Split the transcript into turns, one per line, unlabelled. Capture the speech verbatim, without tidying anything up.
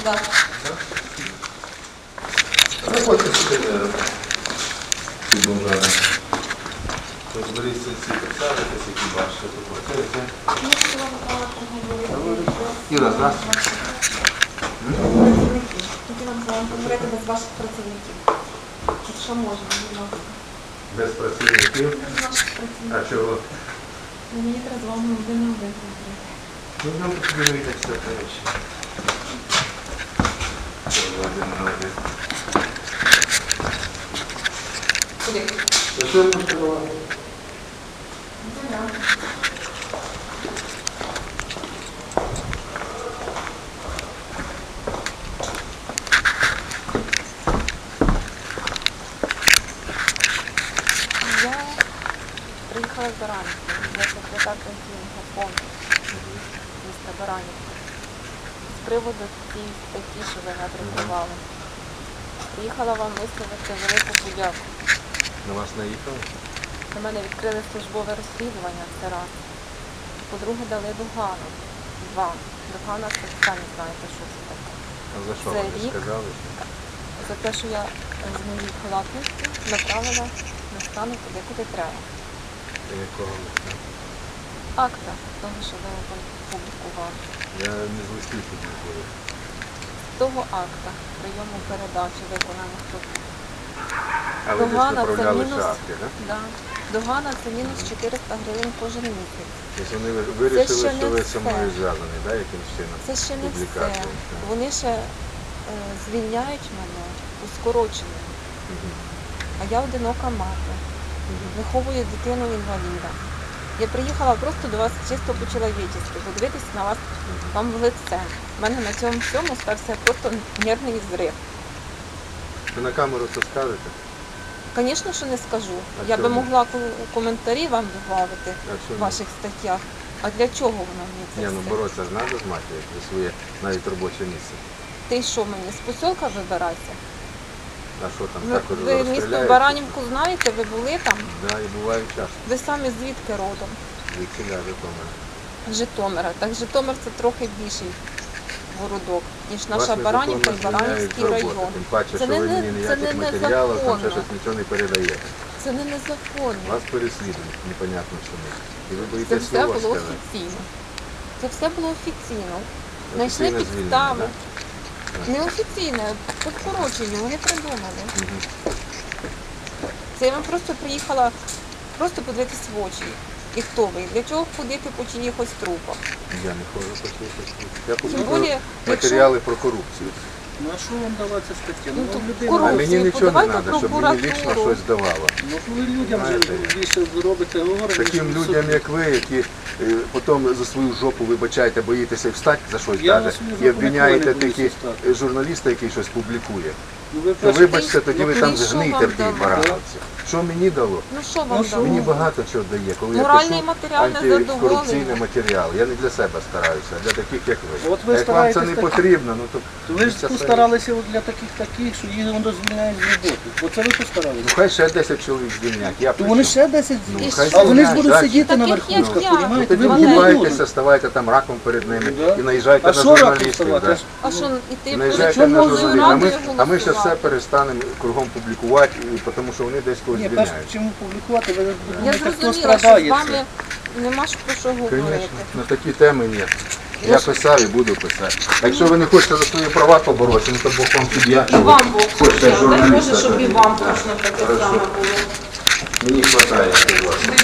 Да.
Не хочете сюди підмовляти. Розберіться ці підставитися, які бачите, то квартири. Іра, здравствуйте.
Хотіла б вам поговорити без ваших працівників. Якщо можна, будь ласка.
Без працівників?
Без ваших працівників.
А чого?
Ну, мені треба з вами один на один поговорити.
Ну, нам потрібно вийти все перечі. Один на один.
Куди?
За що ви можете говорити?
Я приїхала з Баранівки, я секретар пенсійного фонду міста Баранівки. З приводу цієї статті, що ви надрукували. Приїхала вам висловити велику подяку.
На вас наїхали?
На мене відкрили службове розслідування, це раз. По-друге, дали догану. Два. Догана, це самі знаєте, що це таке.
А за що
Це
вони
рік.
сказали?
За те, що я з моєї халатності направила на стану туди, куди треба.
Та якого листа?
Акта того, що ви опублікували.
Я не з листів публікую.
Того акта прийому передачі виконаних робіт.
А ви десь
Догана це
направляли
мінус,
шапки, так?
да. Догана це мінус чотириста гривень кожен місяць.
Тобто вони вирішили,
ще
що
не
ви
все.
зі мною зв'язані, так, якимось чином?
Це ще не все.
Публікацією, так.
Вони ще е, звільняють мене у скороченому.
Мгм.
А я одинока мати.
Мгм.
Виховую дитину інваліда. Я приїхала просто до вас чисто по-чоловічески, подивитися на вас, вам в лице. У мене на цьому всьому стався просто нервний зрив.
Ви на камеру це скажете?
Звісно, що не скажу.
А
Я би
чому?
могла ко- коментарі вам додати
А що
в
ні?
ваших статтях. А для чого воно мені це
Ні, ну
все?
боротися ж треба з матір'ю, за своє навіть робоче місце.
Ти що мені, з посілка вибиратися?
А що там,
Ви,
також
ви місто
розстріляють?
Баранівку знаєте, ви були там?
Да, і буває часто.
Ви самі звідки родом?
Від ціля Житомира.
З Житомира. Так Житомир це трохи більший городок, ніж
Вас
наша
на
Баранівка і
Житомир
Баранівський
звільняють з роботи.
район.
Тим паче,
Це
що
не
ви
не-
мені
це
ніяких
не
матеріалів, там ще
незаконно.
щось нічого не передаєте.
Це не незаконно.
Вас переслідують, непонятно чому. І ви
Це
боїтесь
все
слова
було
сказати.
офіційно. Це все було офіційно. Знайшли
Офіційне звільнення,
підстави.
так?
Неофіційне, по скороченню, вони придумали.
Мгм.
Це я вам просто приїхала просто подивитись в очі. І хто ви? Для чого ходити по чиїхось трупах?
Я не ходжу по цій. Я
Тим
публікую
більше,
матеріали про корупцію.
Ну а що вам дала ця стаття?
Ну,
Ну,
то
вам людина.
А
корупцію
мені нічого не
подавайте
треба, щоб мені лічно
прокуратуру.
щось давало.
Ну, ви людям вже
Знаєте,
більше робите говорите.
Таким
ніж
людям,
собі.
як ви, які е, потім за свою жопу, вибачаєте, боїтеся встати за щось
Я
навіть,
за свою
і
жопу
обвиняєте
ніколи не
такі
боюся встати.
е, журналіста, який щось публікує.
Ну, ви
То
перше-
вибачте, тоді ви
ну,
там
і що
згнийте
вам
в тій
дало?
барановці. Що мені дало?
Ну що вам
Ну, що?
дало?
Мені багато чого дає, коли
Моральний
я
матеріальне
пишу антикорупційний
задоволення.
матеріал. Я не для себе стараюся, а для таких, як ви.
От ви
А як вам це не
стараєтесь так-
потрібно, ну то
То ви ж
це
постаралися от для таких таких, що їх воно звільняють з роботи. Оце ви постаралися.
Ну хай ще десять чоловік звільнять. Я
То
при
вони
чому?
ще десять
Ну,
звільнять.
хай
А вони ж
звільняють
будуть
далі.
сидіти на
Таких, як
верхушках,
я.
Ну
розумієте? Ви
тоді
не
купайтеся,
будете.
ставайте там раком перед ними
Да.
і наїжджайте
А
на
що раком
журналістів.
ставати?
да.
Аж-
А що, іти
Наїжджайте
чому
на
ви
журналістів. А ми,
радою
а ми ще все
голосувати?
перестанемо кругом публікувати, і- тому що вони десь когось
Ні, перш
звільняють.
чим публікувати, ви
Я
думаєте, хто
зрозуміла, що
страдає.
з вами нема ж про що говорити.
Звісно, на такі теми є.
Я
Я
ж-
писав і буду писати. Якщо ви не хочете за свої права поборотися, ну то Бог вам суддя.
І вам Бог
Хочете
суддя. Дай
журналіста,
Боже, щоб і
то-
вам
Так,
точно таке
хорошо.
саме було.
Мені вистачає.